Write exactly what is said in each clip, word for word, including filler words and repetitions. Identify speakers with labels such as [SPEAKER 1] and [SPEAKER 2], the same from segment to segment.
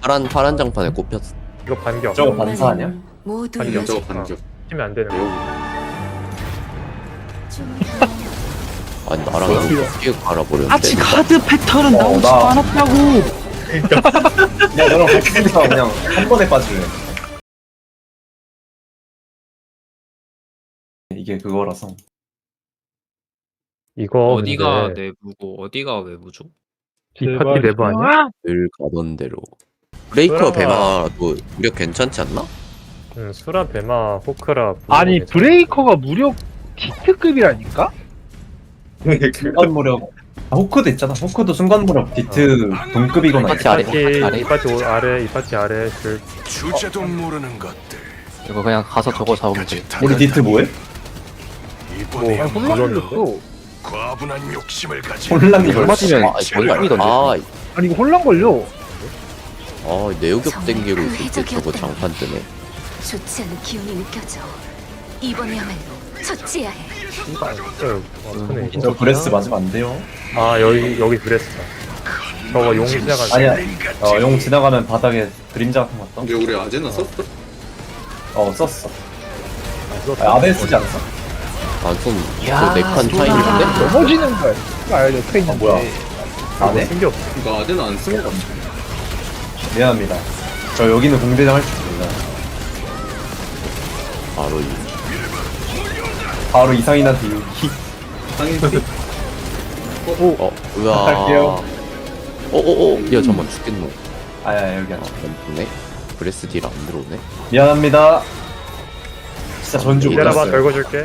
[SPEAKER 1] 파란 파란 장판에 꼽혔어.
[SPEAKER 2] 이거 반격.
[SPEAKER 3] 저거 반사 아니야?
[SPEAKER 4] 모두
[SPEAKER 2] 반격.
[SPEAKER 5] 저거 반격.
[SPEAKER 2] 치면 안 되는 거.
[SPEAKER 1] 아니 나랑
[SPEAKER 3] 뭐야?
[SPEAKER 1] 이거 어떻게 갈아버렸는데?
[SPEAKER 6] 아직 카드 패턴은
[SPEAKER 3] 어,
[SPEAKER 6] 나오지
[SPEAKER 3] 나-
[SPEAKER 6] 않았다고.
[SPEAKER 3] 야 너랑 같이 있어 그냥 한 번에 빠질래. 이게 그거라서.
[SPEAKER 2] 이거
[SPEAKER 5] 어디가
[SPEAKER 2] 근데
[SPEAKER 5] 내부고 어디가 외부죠?
[SPEAKER 2] 이 파티 내부 아니야?
[SPEAKER 1] 늘 가던 대로. 브레이커
[SPEAKER 2] 그러나-
[SPEAKER 1] 배마도 무력 괜찮지 않나?
[SPEAKER 2] 응, 수라, 베마, 호크라.
[SPEAKER 6] 아니
[SPEAKER 2] 부르고
[SPEAKER 6] 브레이커가 무려 디트급이라니까?
[SPEAKER 3] 순간 무력. 아, 호크도 있잖아. 호크도 순간 무력 디트 동급이거나.
[SPEAKER 1] 파티
[SPEAKER 3] 있어.
[SPEAKER 1] 아래.
[SPEAKER 2] 이 파티,
[SPEAKER 1] 아래.
[SPEAKER 2] 이 파티 오- 아래, 이 파티 아래. 그
[SPEAKER 7] 주제도 모르는 것들.
[SPEAKER 1] 이거 그냥 가서 저거 잡으면 돼.
[SPEAKER 3] 우리 디트 뭐해?
[SPEAKER 7] 이번에
[SPEAKER 2] 뭐,
[SPEAKER 6] 혼란이었어.
[SPEAKER 7] 과분한 욕심을 가진
[SPEAKER 3] 혼란이
[SPEAKER 1] 얼마
[SPEAKER 3] 걸렸어.
[SPEAKER 1] 면 아,
[SPEAKER 6] 아니 이거 혼란 걸려.
[SPEAKER 1] 아 내우격
[SPEAKER 4] 정말
[SPEAKER 1] 땡기고
[SPEAKER 4] 그
[SPEAKER 1] 있을 때
[SPEAKER 4] 해적이었다니.
[SPEAKER 1] 저거 장판 뜨네.
[SPEAKER 4] 좋지 않은 기운이 느껴져. 이번에야말로 처치해야 해.
[SPEAKER 2] 어, 어, 크네. 이거.
[SPEAKER 3] 저 브레스 맞으면 안 돼요.
[SPEAKER 2] 아 여기 여기 그랬어. 저거 용이 지나간.
[SPEAKER 3] 아니야. 어, 용 지나가면 바닥에 그림자 같은 거 떠.
[SPEAKER 5] 근데 우리 아제나 썼어?
[SPEAKER 3] 어 썼어. 아, 아벨 쓰지 않았어?
[SPEAKER 1] 아좀 저네칸 차이인데?
[SPEAKER 6] 넘어지는 거야. 아 옆에 있는
[SPEAKER 3] 아, 뭐야. 안 해?
[SPEAKER 2] 신기 없어.
[SPEAKER 5] 이거 아제나 안 쓴 거 같아.
[SPEAKER 3] 미안합니다. 저 여기는 공대장 할 줄 몰라.
[SPEAKER 1] 바로 이.
[SPEAKER 3] 바로 이상인한테 유기.
[SPEAKER 5] 상인
[SPEAKER 1] 어, 으아.
[SPEAKER 3] 할게요.
[SPEAKER 1] 어어어, 야 잠만 죽겠노.
[SPEAKER 3] 아야 여기
[SPEAKER 1] 아,
[SPEAKER 3] 앉아.
[SPEAKER 1] 멈추네. 브레스 딜 안 들어오네.
[SPEAKER 3] 미안합니다. 진짜 전주 못
[SPEAKER 2] 기다려봐,
[SPEAKER 3] 했어요.
[SPEAKER 2] 결과줄게.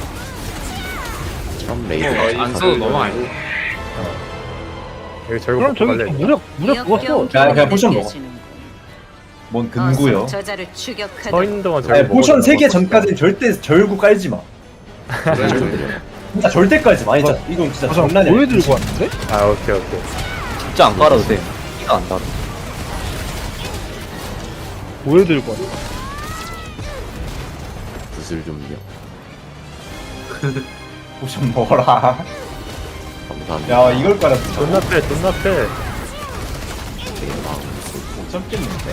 [SPEAKER 1] 참 레이더.
[SPEAKER 5] 안 써도 넘어가요.
[SPEAKER 2] 여기 절고
[SPEAKER 6] 그럼
[SPEAKER 2] 먹고
[SPEAKER 6] 저기
[SPEAKER 2] 갈래.
[SPEAKER 6] 무력 무력 그거 써.
[SPEAKER 3] 야, 그냥 포션 먹어. 뭔 근구요?
[SPEAKER 4] 저자를 추격하다.
[SPEAKER 2] 서 있는 동안 절고
[SPEAKER 3] 아니 포션
[SPEAKER 2] 먹어도
[SPEAKER 3] 세 개
[SPEAKER 2] 먹을
[SPEAKER 3] 전까지는 절대 절구 깔지 마. 진짜 절대 깔지 마. 아니 진짜 이건 진짜
[SPEAKER 6] 가서
[SPEAKER 3] 장난이야.
[SPEAKER 6] 보여 들고 왔는데?
[SPEAKER 2] 거야. 아 오케이 오케이.
[SPEAKER 1] 진짜 안 깔아도 돼. 피가 안 달아.
[SPEAKER 6] 보여 들고 왔어.
[SPEAKER 1] 구슬 좀요.
[SPEAKER 3] 포션 먹어라.
[SPEAKER 1] 감사합니다.
[SPEAKER 3] 야 이걸 깔았어.
[SPEAKER 2] 존나 패, 존나 패.
[SPEAKER 3] 못 참겠는데?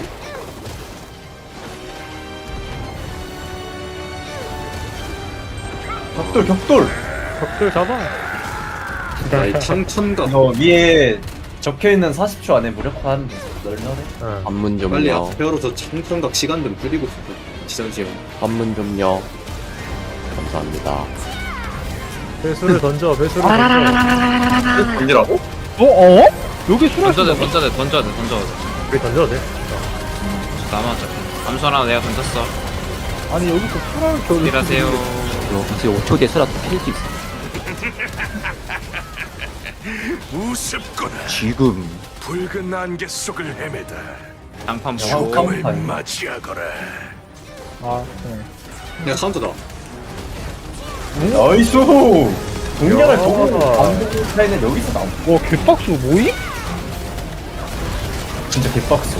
[SPEAKER 3] 격돌 격돌.
[SPEAKER 2] 벽돌 잡아.
[SPEAKER 5] 나의 창천가
[SPEAKER 3] 너 위에 적혀있는 사십 초 안에 무력화하면 돼. 널널해.
[SPEAKER 2] 응.
[SPEAKER 1] 관문
[SPEAKER 5] 빨리
[SPEAKER 1] 좀요.
[SPEAKER 5] 앞에로 저 창천각 시간 좀 줄이고 싶어. 지정지요.
[SPEAKER 1] 관문 좀요. 감사합니다.
[SPEAKER 2] 배수를 던져, 배수를 던져.
[SPEAKER 5] 던지라고?
[SPEAKER 6] 어 어? 여기 수라
[SPEAKER 5] 던져야 돼,
[SPEAKER 6] 씨.
[SPEAKER 5] 던져야 돼, 던져야 돼, 던져야 돼.
[SPEAKER 2] 여기 던져도 돼.
[SPEAKER 5] 남았죠. 암수하나 내가 던졌어.
[SPEAKER 6] 아니 여기서 수라를 켜고.
[SPEAKER 5] 일하세요.
[SPEAKER 1] 혹시 오 초 뒤에 쓰라 킬수 있어.
[SPEAKER 7] 우습구나.
[SPEAKER 1] 지금.
[SPEAKER 7] 붉은 안개 속을 헤매다
[SPEAKER 5] 장판
[SPEAKER 3] 야,
[SPEAKER 5] 보고.
[SPEAKER 3] 깜-
[SPEAKER 7] 죽음을 맞이하거라.
[SPEAKER 6] 아 네.
[SPEAKER 5] 내가 카운트다.
[SPEAKER 3] 나이스. 동력을
[SPEAKER 2] 야.
[SPEAKER 3] 보고 반복 차이는 여기서 나오.
[SPEAKER 6] 와 개빡수 뭐임?
[SPEAKER 3] 진짜 개빡소.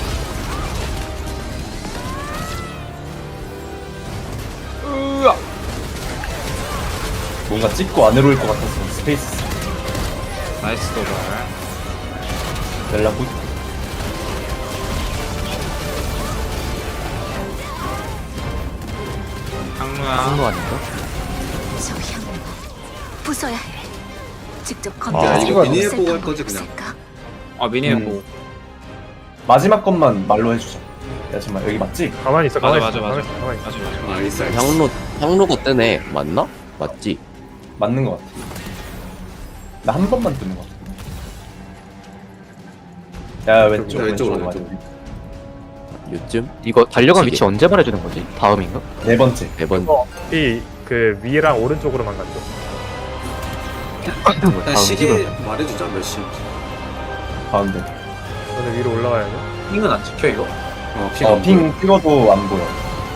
[SPEAKER 6] 으아.
[SPEAKER 3] 뭔가 찍고 안 내려올 것 같아서 스페이스
[SPEAKER 5] 나이스 도발.
[SPEAKER 3] 넬라부.
[SPEAKER 5] 항로야.
[SPEAKER 1] 아닌가?
[SPEAKER 4] 저 향로 부숴야 해. 직접
[SPEAKER 1] 아,
[SPEAKER 4] 건드리지
[SPEAKER 5] 이거
[SPEAKER 4] 않고
[SPEAKER 5] 미니에
[SPEAKER 4] 쓸
[SPEAKER 5] 보고 할
[SPEAKER 4] 방법이
[SPEAKER 5] 거지, 그냥.
[SPEAKER 4] 없을까?
[SPEAKER 5] 아 미니에
[SPEAKER 3] 음.
[SPEAKER 5] 보고.
[SPEAKER 3] 마지막 것만 말로 해주자. 야 잠깐 여기 맞지?
[SPEAKER 2] 가만히 있어,
[SPEAKER 5] 맞아,
[SPEAKER 2] 가만히
[SPEAKER 5] 맞아,
[SPEAKER 2] 있어,
[SPEAKER 5] 맞아.
[SPEAKER 2] 가만히 있어, 가만히 있어.
[SPEAKER 5] 맞아 맞아. 나이스.
[SPEAKER 1] 향로 향로가 뜨네. 맞나? 맞지?
[SPEAKER 3] 맞는 것 같아. 나 한 번만 뜨는 것 같아.
[SPEAKER 2] 왼쪽,
[SPEAKER 3] 야 왼쪽
[SPEAKER 5] 왼쪽으로,
[SPEAKER 3] 왼쪽
[SPEAKER 5] 왼쪽.
[SPEAKER 3] 맞아.
[SPEAKER 1] 요즘
[SPEAKER 8] 이거 달려간
[SPEAKER 1] 시계.
[SPEAKER 8] 위치 언제 말해주는 거지? 다음인가?
[SPEAKER 3] 네 번째.
[SPEAKER 1] 매번
[SPEAKER 2] 이그 위랑 오른쪽으로만 갔죠.
[SPEAKER 8] 다음
[SPEAKER 5] 그냥 시계
[SPEAKER 8] 집으로.
[SPEAKER 5] 말해주자 몇 시.
[SPEAKER 3] 가운데.
[SPEAKER 2] 너는 위로 올라가야 돼.
[SPEAKER 5] 핑은 안 찍혀 이거? 어 핑.
[SPEAKER 3] 어, 핑 찍어도 안 보여.